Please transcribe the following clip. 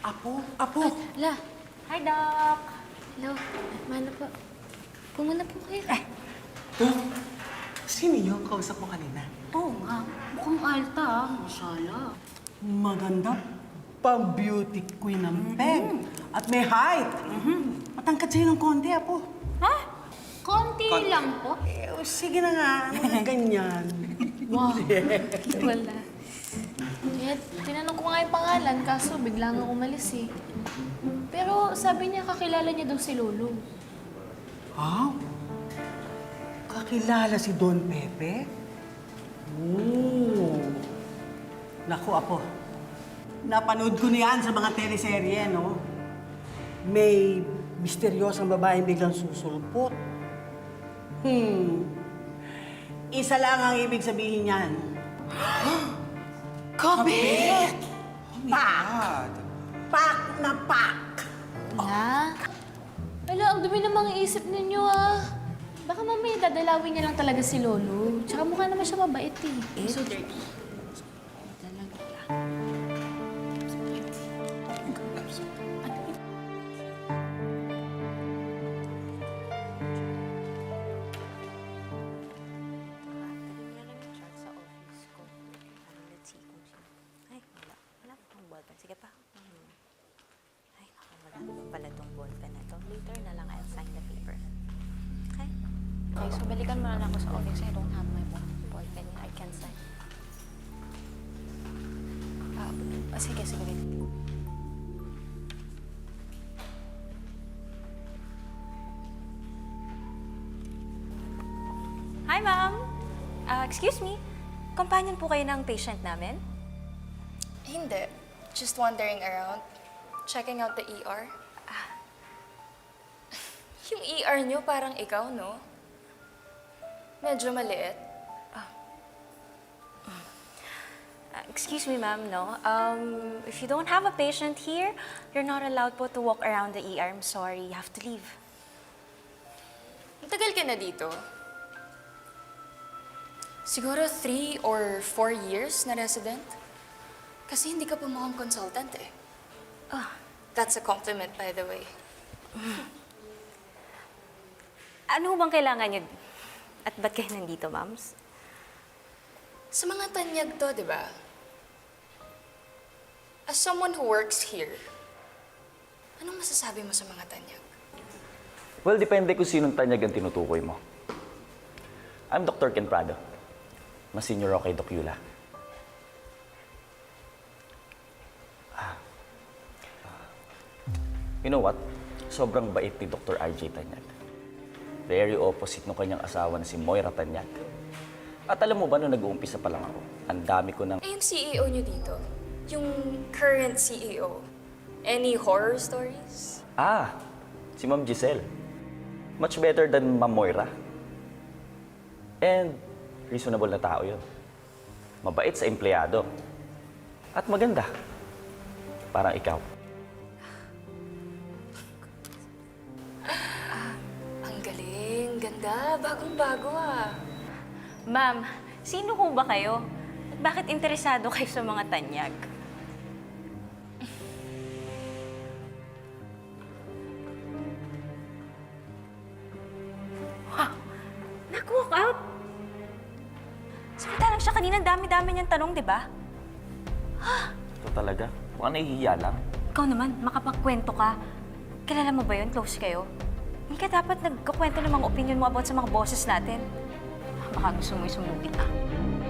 Apo! La, Hi, Doc! hello. Mana po. Pumuna po kayo. Sino yung kausap mo kanina? Oo nga, mukhang alta masala. Maganda. Pang-beauty queen ng peg. At may height. Matangkad sa'yo ng konti, Apo. Ha? Konti lang po. Sige na nga. Ganyan. Wow. Wala. Kaya tinanong ko nga yung pangalan, kaso bigla nga umalis eh. Pero sabi niya kakilala niya daw si Lolo. Ah? Kakilala si Don Pepe? Oo. Naku, Apo. Napanood ko niyan sa mga teleserye, no? May misteryosang babaeng biglang susulpot. Isa lang ang ibig sabihin niyan. Kabit! Pak! Pak na pak! La? Wala, ang dumi ng mga isip ninyo ah. Baka mamaya dadalawin niya lang talaga si Lolo. Tsaka mukha naman siya mabait eh. So dirty. Sige pa. Ay, naku, wala naman pala tong ballpen na to. Later na lang I'll sign the paper. Okay? Okay, so balikan mo na lang ako sa office. I don't have my ballpen. I can sign. Sige, sige. Wait. Hi, ma'am! Excuse me. Companion po kayo ng patient namin? Hindi. Just wandering around. Checking out the ER. Yung ER nyo parang ikaw, no? Medyo maliit. Excuse me, ma'am, no? If you don't have a patient here, you're not allowed po to walk around the ER. I'm sorry, you have to leave. Matagal ka na dito. Siguro 3 or 4 years na resident. Kasi hindi ka pa mukhang consultant eh. That's a compliment, by the way. Ano bang kailangan niyo? At ba't kayo nandito, ma'ams? Sa mga tanyag to, di ba? As someone who works here, anong masasabi mo sa mga tanyag? Well, depende kung sinong tanyag ang tinutukoy mo. I'm Dr. Ken Prado. Mas senior ako kay Doc Yula. You know what? Sobrang bait ni Dr. RJ Tanyag. Very opposite ng kanyang asawa na si Moira Tanyag. At alam mo ba, nung nag-uumpisa pa lang ako, ang dami ko ng... Eh, yung CEO nyo dito, yung current CEO, any horror stories? Si Ma'am Giselle. Much better than Ma'am Moira. And reasonable na tao yun. Mabait sa empleyado. At maganda. Parang ikaw. Ang galing, ganda, bagong-bago ah. Ma'am, sino ho ba kayo? At bakit interesado kayo sa mga tanyag? Nag-walk out? Samantalang siya kanina, dami-dami niyang tanong, di ba? Ito talaga. Mukhang nahihiya lang. Ikaw naman, makapagkwento ka. Kilala mo ba yun? Close kayo? Hindi ka dapat nagkakwento ng mga opinion mo about sa mga bosses natin. Baka gusto mo isumugin ka.